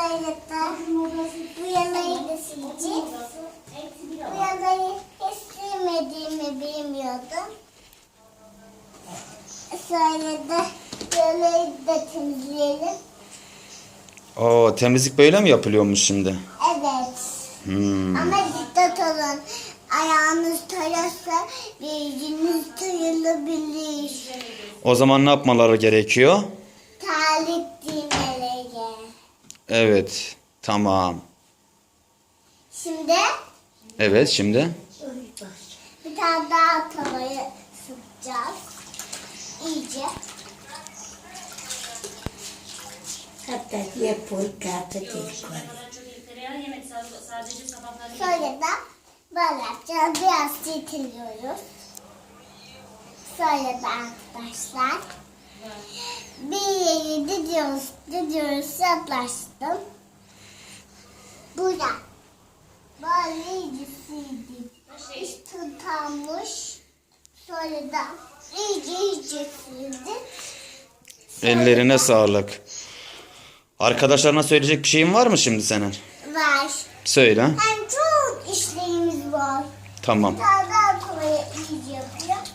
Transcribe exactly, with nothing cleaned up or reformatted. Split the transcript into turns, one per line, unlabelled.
Sonra da bu yanayı da sileceğiz. Bu yanayı hiç silmediğimi bilmiyordum. Sonra da yanayı da temizleyelim.
Oo, temizlik böyle mi yapılıyormuş şimdi?
Evet.
Hmm.
Ama dikkat olun. Ayağınız tararsa yüzünüz tarılabilir.
O zaman ne yapmaları gerekiyor?
Terlik giymeleri.
Evet. Tamam.
Şimdi
Evet, şimdi.
bir tane daha tavayı sıkacağız. İyice.
Hatta yapıyor kağıt değil.
Sonra da böyle yapacağız. Biraz çekiliyoruz. Sonra da arkadaşlar bir yeri didiyoruz. Didiyoruz. Yaklaştım. Burada. Böyle iyice sildim. İş tutanmış. Sonra da iyice iyice sildim.
Ellerine sağlık. Arkadaşlarına söyleyecek bir şeyin var mı şimdi senin?
Var.
Söyle.
Hem çok işlerimiz var.
Tamam.
Bir tane daha tavayı iyice yapıyor.